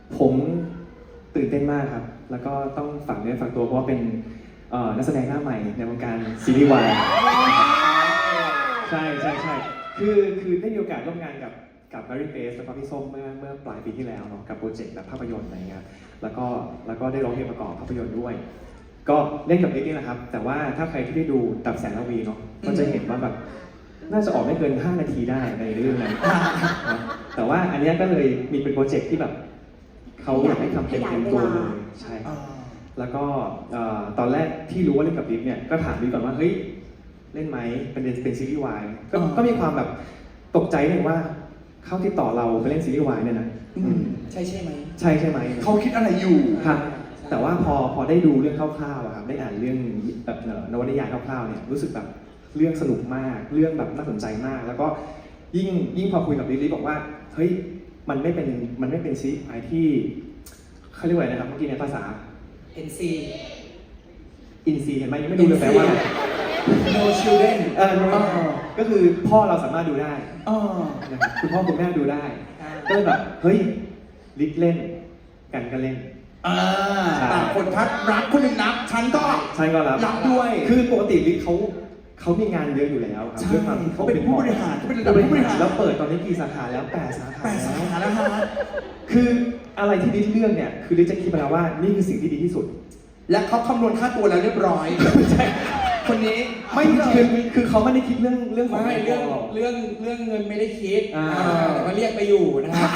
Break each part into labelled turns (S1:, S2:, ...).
S1: ผมตื่นเต้นมากครับแล้วก็ต้องฝากเนื้อฝากตัวเพราะว่าเป็นนักแสดงหน้าใหม่ในวงการซีรีส์วายใช่คือได้มีโอกาสร่วมงานกับแมรี่เบสแล้วก็พี่ส้มเมื่อปลายปีที่แล้วเนาะกับโปรเจกต์แบบภาพยนตร์อะไรเงี้ยแล้วก็ได้ร้องเพลงประกอบภาพยนตร์ด้วยก็เล่นกับนิกนี่แหละครับแต่ว่าถ้าใครที่ได้ดูดับแสงระวีเนาะก็จะเห็นว่าแบบน่าจะออกไม่เกิน5 นาทีได้ในเรื่องนั้นแต่ว่าอันนี้ก็เลยมีเป็นโปรเจกต์ที่แบบเขาอยากให้ทำเต็มตัวเลยใช่แล้วก็ตอนแรกที่รู้ว่าเล่นกับดิฟเนี่ยก็ถามดิฟก่อนว่าเฮ้ยเล่นไหมเป็นซีรีส์วายก็มีความแบบตกใจหนึ่งว่าเขาติดต่อเราไปเล่นซีรีส์วายเนี่ยนะ
S2: ใช่ไหม
S1: ใช่ไหม
S3: เขาคิดอะไรอยู่
S1: ครับแต่ว่าพอได้ดูเรื่องคร่าวๆครับได้อ่านเรื่องแบบนวนิยายคร่าวๆเนี่ยรู้สึกแบบเรื่องสนุกมากเรื่องแบบน่าสนใจมากแล้วก็ยิ่งพอคุยกับลิลลี่บอกว่าเฮ้ยมันไม่เป็นซีรีส์วายที่เขาเรียกว่าอะไรนะครับเมื่อกี้ในภาษา
S2: NC
S1: อินซีเห็นไหมยังไม่ดูเลยแปลว่า
S2: No children
S1: ก็คือพ่อเราสามารถดูได้นะครับคุณพ่อคุณแม่ดูได้ก็เลยแบบเฮ้ยลิกเล่นกันก็เล่น
S3: ต่างคนทัดรักคนหนึ่งนับฉันก็รับด้วย
S1: คือปกติลิกเขามีงานเยอะอยู่แล้วครับด้วยความที่
S3: เขาเป็นผู้บริหารเขาเป็นระดับผู้บริหาร
S1: แล้วเปิดตอนนี้กี่สาขาแล้ว8 สาขา
S3: แล้วฮะ
S1: คืออะไรที่ลิกเลือกเนี่ยคือลิกจะคิดมาแล้วว่านี่คือสิ่งที่ดีที่สุด
S3: และเขาคำนวณค่าตัวแล้วเรียบร้อย
S1: ใช่คนนี้ไม่คือเขาไม่ได้คิดเรื่องของ
S2: เรื่องเงินไม่ได้คิดแต่ว่าเรียกไปอยู่นะครับ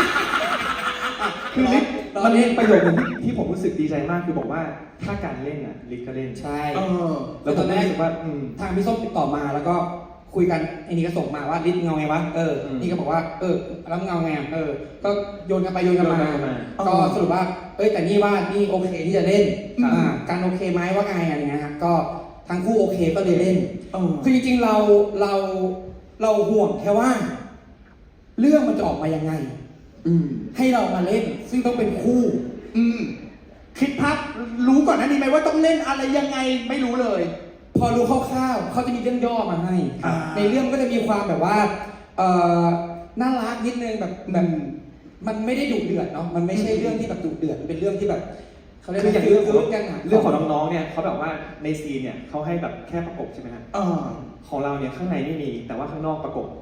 S1: คือลิกมันมีประโยคนึงที่ผมรู้สึกดีใจมากคือบอกว่าถ้าการเล่นอ่ะลิกก็เล่น
S2: ใช่
S1: แล้วตอนแรกว่า
S2: ทางพี่ส้มติดต่อมาแล้วก็คุยกันไอ้นี่ก็ส่งมาว่าลิกเงาไงวะนี่ก็บอกว่าแล้วเงาไงก็โยนกันไปโยนกันมาก็สรุปว่าแต่นี่ว่านี่โอเคที่จะเล่นการโอเคไหมว่าไงอะไรเงี้ยครับก็ทั้งคู่โอเคก็เลยเล่นคือจริงๆเราห่วงแค่ว่าเรื่องมันจะออกมายังไงให้เรามาเล่นซึ่งต้องเป็นคู่
S3: คิดพักรู้ก่อนนะนี่ไหมว่าต้องเล่นอะไรยังไงไม่รู้เลย
S2: พอรู้คร่าวๆเขาจะมีเรื่องย่อมาให้ในเรื่องก็จะมีความแบบว่าน่ารักนิดนึงแบบมันไม่ได้ดุเดือดเนาะมันไม่ใช่เรื่องที่แบบดุเดือดเป็นเรื่องที่แบบ
S1: เขาเรียกอย่างเรื่องของน้องๆเนี่ยเขาแบบว่าในซีนเนี่ยเขาให้แบบแค่ประกบใช่ไหมครับของเราเนี่ยข้างในไม่มีแต่ว่าข้างนอกประกบ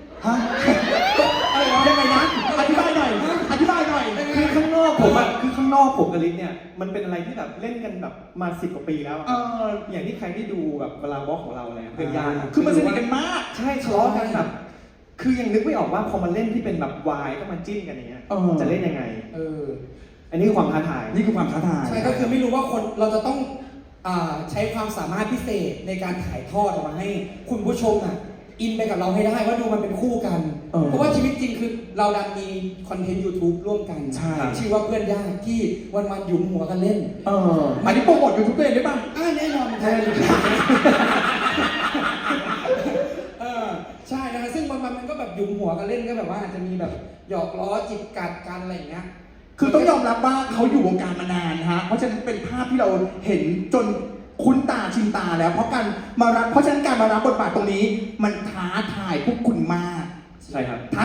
S3: ยังไงนะอธิบายหน่อย
S1: คือข้างนอกผมกับลิศเนี่ยมันเป็นอะไรที่แบบเล่นกันแบบมา10 กว่าปีแล้วอย่างที่ใครได้ดูแบบเวลาวอล์กของเราเนี่ยเพื่อนญาติ
S3: คือมันสนิทกันมาก
S1: ใช่ทะเลาะกันแบบคือยังนึกไม่ออกว่าพอมันเล่นที่เป็นแบบวายก็มาจิ้นกันอย่างเงี้ยจะเล่นยังไงอันนี้คือความท้าทาย
S2: ใช่ก็คือไม่รู้ว่าคนเราจะต้องใช้ความสามารถพิเศษในการถ่ายทอดออกมาให้คุณผู้ชมอินไปกับเราให้ได้ว่าดูมันเป็นคู่กันเพราะว่าชีวิตจริงคือเราดันมีคอนเทนต์ YouTube ร่วมกันชื่อว่าเพื่อนญาติที่วันๆหยุมหัวกันเล่น
S3: อันนี้โปรโมท YouTube ตัวเองได้ป่ะ
S2: แน่นอนใช่นะซึ่งวันๆมันก็แบบหยุมหัวกันเล่นก็แบบว่าอาจจะมีแบบหยอกล้อจิกกัดกันอะไรอย่างเงี้ย
S3: คือต้องยอมรับว่าเขาอยู่วงการมานานฮะเพราะฉะนั้นเป็นภาพที่เราเห็นจนคุ้นตาชินตาแล้วเพราะฉะนั้นการมารับบทบาทตรงนี้มันท้าทายพวกคุณมาก
S1: ใช่ครับ